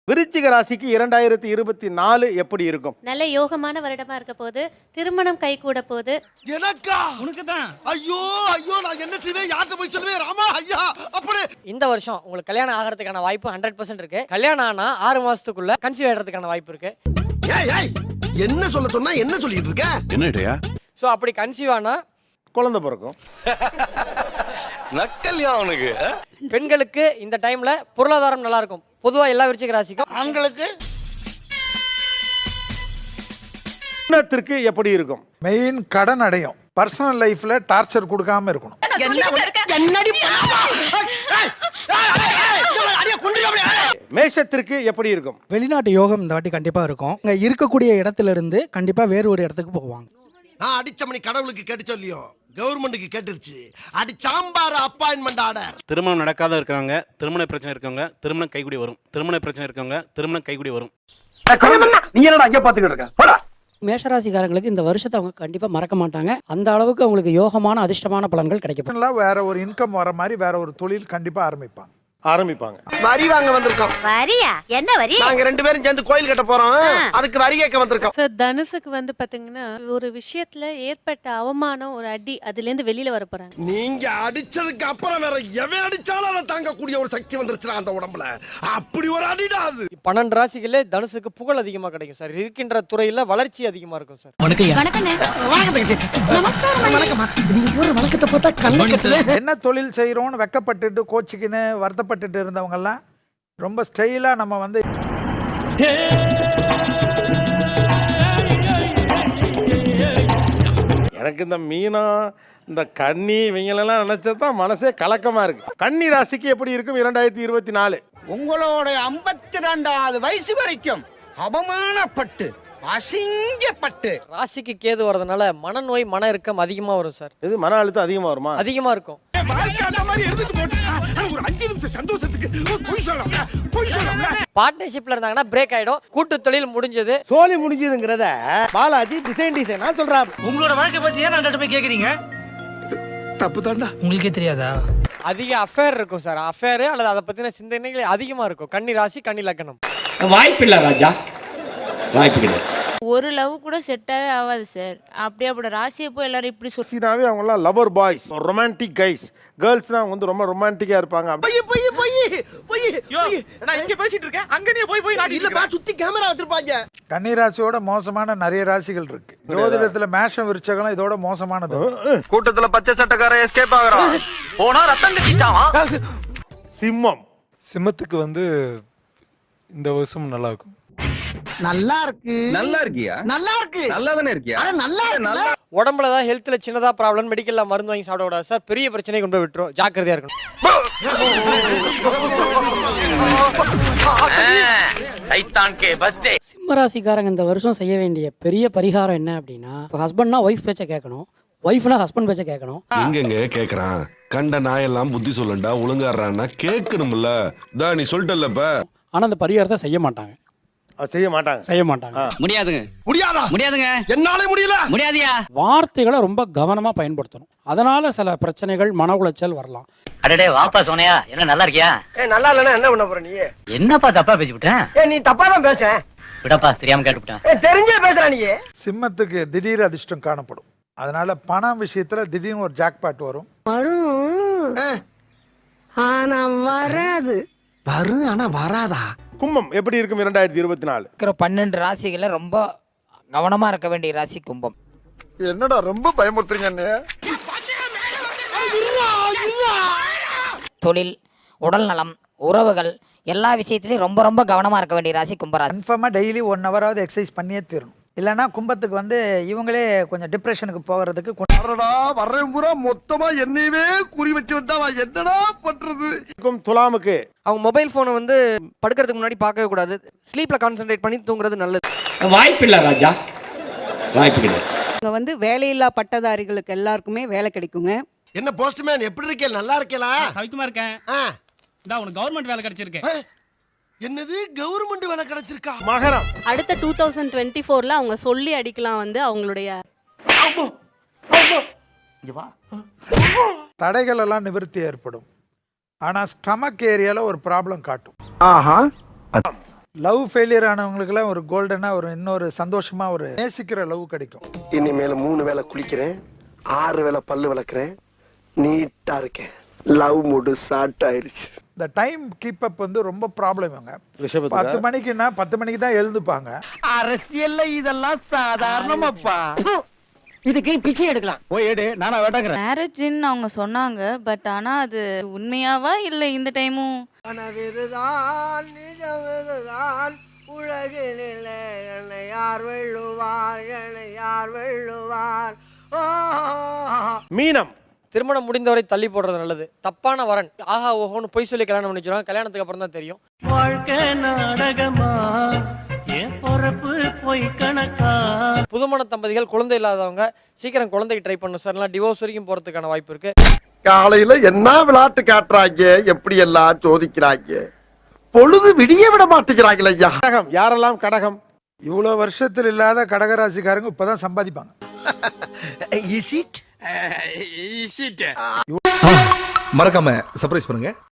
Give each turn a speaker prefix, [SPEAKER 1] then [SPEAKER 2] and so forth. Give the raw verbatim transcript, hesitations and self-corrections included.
[SPEAKER 1] விருச்சிக ராசிக்கு இரண்டாயிரத்தி இருபத்தி நாலு எப்படி இருக்கும்?
[SPEAKER 2] நல்ல யோகமான வருடமா இருக்க போது, திருமணம் கை கூட போது.
[SPEAKER 3] எனக்கா? உனக்கு தான். ஐயோ ஐயோ நான் என்ன செய்வேன், யார்கிட்ட போய் சொல்லுவேன் ராமா ஐயா? அப்படி
[SPEAKER 4] இந்த வருஷம் உங்களுக்கு கல்யாணம் ஆகிறதுக்கான வாய்ப்பு ஹண்ட்ரட் பர்சன்ட் இருக்கு. கல்யாணம் ஆனா ஆறு மாசத்துக்குள்ள கன்சீவ் ஆகிறதுக்கான வாய்ப்பு இருக்கு.
[SPEAKER 3] ஏய் ஏய் என்ன சொல்ல சொன்னா என்ன சொல்லிட்டு இருக்க?
[SPEAKER 5] என்னடா?
[SPEAKER 4] ஸோ அப்படி கன்சீவ் ஆனா
[SPEAKER 1] குழந்தை பிறக்கும்.
[SPEAKER 5] நக்கல்யா அவனுக்கு.
[SPEAKER 4] பெண்களுக்கு இந்த டைம்ல பொருளாதாரம் நல்லா இருக்கும். பொதுவா எல்லா விருச்சிக ராசிக்கும்.
[SPEAKER 3] ஆண்களுக்கு
[SPEAKER 1] திருமணத்திற்கு எப்படி இருக்கும்?
[SPEAKER 6] மெயின் கடன் அடையும். பர்சனல் லைஃப்ல டார்ச்சர் கொடுக்காம இருக்கணும்.
[SPEAKER 1] மேஷத்திற்கு எப்படி இருக்கும்?
[SPEAKER 7] வெளிநாட்டு யோகம் இந்த வாட்டி கண்டிப்பா இருக்கும். இங்க இருக்கக்கூடிய இடத்துல இருந்து கண்டிப்பா வேறு ஒரு இடத்துக்கு போவாங்க.
[SPEAKER 3] நான் அடிச்ச மணி கடவுளுக்கு கேட்டு சொல்லியோ கவர்மெண்ட்டுக்கு கேட்டுருச்சு. அடி சாம்பார் அப்பாயின்மெண்ட் ஆர்டர்.
[SPEAKER 8] திருமணம் நடக்காத இருக்கிறவங்க, திருமண பிரச்சனை இருக்கவங்க திருமணம் கைகூடி வரும். திருமண பிரச்சனை இருக்கவங்க திருமணம் கைகூடி வரும்.
[SPEAKER 9] நீ என்னடா அங்க பாத்துக்கிட்டு இருக்க? போடா.
[SPEAKER 10] மேஷராசிக்காரங்களுக்கு இந்த வருஷத்தை அவங்க கண்டிப்பா மறக்க மாட்டாங்க. அந்த அளவுக்கு அவங்களுக்கு யோகமான அதிர்ஷ்டமான பலன்கள் கிடைக்கும்.
[SPEAKER 6] வேற ஒரு இன்கம் வர மாதிரி வேற ஒரு தொழில் கண்டிப்பா ஆரம்பிப்பாங்க
[SPEAKER 1] ஆரம்பிப்பாங்க.
[SPEAKER 3] வரி வாங்க வந்திருக்கோம்.
[SPEAKER 2] வரியா? என்ன வரி?
[SPEAKER 3] நாங்க ரெண்டு பேரும் சேர்ந்து கோயில் கட்ட போறோம். அதுக்கு வரி கேட்க வந்திருக்கோம்.
[SPEAKER 2] சார், தனுசுக்கு வந்து பாத்தீங்கன்னா ஒரு விஷயத்துல ஏற்பட்ட அவமானம், ஒரு அடி, அதுல இருந்து வெளியில வர போறாங்க.
[SPEAKER 3] நீங்க அடிச்சதுக்கு அப்புறம் வேற எவன் அடிச்சாலும் அதை தாங்கக்கூடிய ஒரு சக்தி வந்துருச்சு அந்த உடம்புல. அப்படி ஒரு அடிடா அது.
[SPEAKER 4] பன்னெண்டு ராசிகளே தனுசுக்கு புகழ் அதிகமா கிடைக்கும் சார். இருக்கின்ற துறையில வளர்ச்சி அதிகமா இருக்கும் சார்.
[SPEAKER 6] என்ன தொழில் செய்யறோம்னு வெக்கப்பட்டுட்டு கோச்சிக்கின்னு வருத்தப்பட்டுட்டு இருந்தவங்க எல்லாம் ரொம்ப ஸ்டைலா நம்ம வந்து
[SPEAKER 1] எனக்கு இந்த மீனா இந்த கன்னி இவங்களெல்லாம் நினைச்சதான் மனசே கலக்கமா இருக்கு. கன்னி ராசிக்கு எப்படி இருக்கும் இரண்டாயிரத்தி இருபத்தி நாலு?
[SPEAKER 3] உங்களோட ஐம்பத்தி ரெண்டாவது வயசு வரைக்கும் அவமானப்பட்டு அசிங்கப்பட்டு
[SPEAKER 4] ராசிக்கு கேது வரதுனால மனநோய், மன இறுக்கம் அதிகமா வரும் சார்.
[SPEAKER 1] இது மன அழுத்தம் அதிகமா வருமா?
[SPEAKER 4] அதிகமா இருக்கும். பார்ட்னர்ஷிப்ல இருந்தாங்கன்னா பிரேக் ஆயிடும். கூட்டு தொழில் முடிஞ்சது,
[SPEAKER 1] சோலி முடிஞ்சதுங்கிறத பாலாஜி டிசைன் டிசைனா சொல்றாரு.
[SPEAKER 9] உங்களோட வாழ்க்கை பத்தி ஏன் நான் போய் கேக்குறீங்க?
[SPEAKER 3] தப்பு தாண்டா.
[SPEAKER 9] உங்களுக்கே தெரியாதா?
[SPEAKER 4] அதிக அஃபேர் இருக்கும் சார். அஃபேர் அல்லது அதை பத்தின சிந்தனைகள் அதிகமா இருக்கும். கன்னி ராசி, கன்னி லக்னம்.
[SPEAKER 5] வாய்ப்பு இல்ல ராஜா, வாய்ப்பு கிடையாது.
[SPEAKER 2] ஒரு லவ் கூட செட்டாவே ஆகாது சார். அப்படியே அப்படி ராசியை போய் எல்லாரும் இப்படி சொல்லி
[SPEAKER 1] சீனாவே அவங்கலாம் லவர் பாய்ஸ், ரொமான்டிக் கைஸ். கேர்ள்ஸ்னா வந்து ரொம்ப ரொமான்டிக்கா இருப்பாங்க.
[SPEAKER 3] போய் போய் போய் போய்
[SPEAKER 9] நான் இங்க பேசிட்டு இருக்கேன், அங்க நீ போய் போய்
[SPEAKER 3] இல்ல பா, சுத்தி கேமரா வச்சிருப்பாங்க.
[SPEAKER 6] கன்னி ராசியோட மோசமான நிறைய ராசிகள் இருக்கு. ஜோதிடத்துல மேஷம் விருச்சகம் இதோட மோசமானது.
[SPEAKER 9] கூட்டத்துல பச்சை சட்டக்கார எஸ்கேப் ஆகுறான். போனா ரத்தம் கட்டிச்சான்.
[SPEAKER 1] சிம்மம்.
[SPEAKER 11] சிம்மத்துக்கு வந்து இந்த வருஷம் நல்லா இருக்கும்.
[SPEAKER 9] நல்லா இருக்கு. நல்லா இருக்கியா? நல்லா இருக்கு. நல்லா தானே இருக்கியா? நல்லா நல்லா.
[SPEAKER 4] உடம்புல தான் ஹெல்த்ல சின்னதா ப்ராப்ளம், மெடிக்கல்ல மருந்து வாங்கி சாப்பிட கூடாது சார். பெரிய பிரச்சனை கொண்டு போய் விட்டுரும். ஜாக்கிரதையா இருக்கணும்.
[SPEAKER 9] சைத்தான் கே பச்சே.
[SPEAKER 10] சிம்ம ராசிக்காரங்க இந்த வருஷம் செய்ய வேண்டிய பெரிய பரிகாரம் என்ன அப்படின்னா, ஹஸ்பண்ட்னா ஒய்ஃப் பேச்ச கேட்கணும், ஒய்ஃப்னா ஹஸ்பண்ட் பேச்ச கேட்கணும்.
[SPEAKER 5] எங்கங்க கேக்குறான்? கண்ட நாயெல்லாம் புத்தி சொல்லண்டா, ஒழுங்காடுறான்னா கேட்கணும்ல. தா நீ சொல்லிட்டல்லப்ப.
[SPEAKER 10] ஆனா அந்த பரிகாரத்தை செய்ய மாட்டாங்க.
[SPEAKER 1] செய்ய மாட்டாங்க
[SPEAKER 10] செய்ய மாட்டாங்க
[SPEAKER 9] முடியாதுங்க.
[SPEAKER 3] முடியாதா?
[SPEAKER 9] முடியாதுங்க.
[SPEAKER 3] என்னால முடியல.
[SPEAKER 9] முடியாதியா?
[SPEAKER 10] வார்த்தைகளை ரொம்ப கவனமா பயன்படுத்தணும். அதனால சில பிரச்சனைகள், மன உளைச்சல் வரலாம்.
[SPEAKER 9] அடடே வாப்பா சோனியா, என்ன நல்லா இருக்கியா?
[SPEAKER 3] ஏ நல்லா இல்லனா என்ன பண்ண போற நீ?
[SPEAKER 9] என்னப்பா தப்பா பேசி விட்டேன்?
[SPEAKER 3] ஏ நீ தப்பா தான் பேச.
[SPEAKER 9] விடப்பா, தெரியாம கேட்டுட்டேன்.
[SPEAKER 3] ஏ தெரிஞ்சே பேசுற நீ.
[SPEAKER 6] சிம்மத்துக்கு திடீர் அதிர்ஷ்டம் காணப்படும். அதனால பணம் விஷயத்துல திடீர்னு ஒரு ஜாக்பாட் வரும்.
[SPEAKER 3] வரும் ஆனா வராது. வரும் ஆனா வராதா?
[SPEAKER 1] கும்பம் எப்படி இருக்கும் இரண்டாயிரத்தி இருபத்தி நாலு?
[SPEAKER 4] இருக்கிற பன்னெண்டு ராசிகள ரொம்ப கவனமா இருக்க வேண்டிய ராசி கும்பம்.
[SPEAKER 3] என்னடா ரொம்ப பயமுறுத்துறீங்க?
[SPEAKER 4] தொழில், உடல் நலம், உறவுகள் எல்லா விஷயத்திலயும் ரொம்ப ரொம்ப கவனமா இருக்க வேண்டிய ராசி கும்பராசி.
[SPEAKER 6] கன்ஃபார்மா டெய்லி ஒன் ஹவராவது எக்ஸசைஸ் பண்ணியே தீரணும். இல்லைன்னா கும்பத்துக்கு வந்து இவங்களே கொஞ்சம் டிப்ரெஷனுக்கு போகிறதுக்கு
[SPEAKER 3] வர்றேன் பூரா மொத்தமா என்னையவே குறி வச்சு வந்தா நான் என்னடா பண்றது?
[SPEAKER 1] துலாமுக்கு
[SPEAKER 4] அவங்க மொபைல் போனை வந்து படுக்கிறதுக்கு முன்னாடி பார்க்கவே கூடாது. ஸ்லீப்ல கான்சென்ட்ரேட் பண்ணி தூங்குறது நல்லது.
[SPEAKER 5] வாய்ப்பு இல்ல ராஜா, வாய்ப்பு கிடையாது.
[SPEAKER 10] இங்க வந்து வேலையில்லா பட்டதாரிகளுக்கு எல்லாருக்குமே வேலை கிடைக்குங்க.
[SPEAKER 3] என்ன போஸ்ட்மேன் எப்படி இருக்கே? நல்லா இருக்கேலா?
[SPEAKER 9] சவிக்குமா இருக்கேன். இந்தா உனக்கு கவர்மெண்ட் வேலை கிடைச்சிருக்கு.
[SPEAKER 3] என்னது கவர்மெண்ட் வேலை கிடைச்சிருக்கா?
[SPEAKER 1] மகரம்.
[SPEAKER 2] அடுத்த டூ தௌசண்ட் டுவெண்ட்டி ஃபோர்ல அவங்க சொல்லி அடிக்கலாம் வந்து அவங்களுடைய
[SPEAKER 6] தடைகள் எல்லாம் நிவர்த்தி ஏற்படும். ஆனா ஸ்டமக் ஏரியால ஒரு ப்ராப்ளம் காட்டும். லவ் ஃபெயிலியர் ஆனவங்களுக்குலாம் ஒரு கோல்டனா ஒரு இன்னொரு சந்தோஷமா ஒரு நேசிக்கிற லவ் கிடைக்கும்.
[SPEAKER 3] இனிமேல மூணு வேளை குளிக்கிறேன், ஆறு வேளை பல்லு விளக்குறேன், நீட்டா இருக்கேன். லவ் மூடு ஸ்டார்ட் ஆயிருச்சு.
[SPEAKER 6] இந்த டைம் கீப் அப் வந்து ரொம்ப ப்ராப்ளம் இவங்க.
[SPEAKER 1] ரிஷபத்துக்கா?
[SPEAKER 6] பத்து மணிக்குன்னா பத்து மணிக்கு தான் எழுந்துப்பாங்க.
[SPEAKER 9] அரசியல்ல இதெல்லாம் சாதாரணமாப்பா.
[SPEAKER 4] இதுக்கு பிச்சை எடுக்கலாம்.
[SPEAKER 9] போய் எடு, நானா வேட்டாங்கிறேன்.
[SPEAKER 2] மேரேஜ்ன்னு அவங்க சொன்னாங்க, பட் ஆனா அது உண்மையாவா இல்லை இந்த டைமும்?
[SPEAKER 4] கனவிதுதான் நிஜமிதுதான் உலகினிலே என்னை யார் வெல்லுவார், என்னை யார் வெல்லுவார்.
[SPEAKER 1] மீனம்.
[SPEAKER 4] திருமணம் முடிந்தவரை தள்ளி போடுறது நல்லது. தப்பான வரன் ஆஹா ஓஹோன்னு பொய் சொல்லி கல்யாணம் பண்ணி வச்சிருவாங்க. கல்யாணத்துக்கு அப்புறம் தான் தெரியும்.
[SPEAKER 9] வாழ்க்கை நாடகமா, என் பொறப்பு போய் கணக்கா.
[SPEAKER 4] புதுமண தம்பதிகள் குழந்தை இல்லாதவங்க சீக்கிரம் குழந்தைக்கு ட்ரை பண்ணணும் சார். இல்லைனா டிவோர்ஸ் வரைக்கும் போறதுக்கான வாய்ப்பு இருக்கு.
[SPEAKER 3] காலையில என்ன விளையாட்டு காட்டுறாங்க, எப்படி எல்லாம் சோதிக்கிறாங்க, பொழுது விடிய விட மாட்டேங்கிறாங்களே ஐயா.
[SPEAKER 1] கடகம். யாரெல்லாம் கடகம்?
[SPEAKER 6] இவ்வளோ வருஷத்தில் இல்லாத கடகராசிக்காரங்க இப்பதான் சம்பாதிப்பாங்க.
[SPEAKER 3] இஸ் இட்
[SPEAKER 9] மறக்காம சர்ப்ரைஸ் பண்ணுங்க.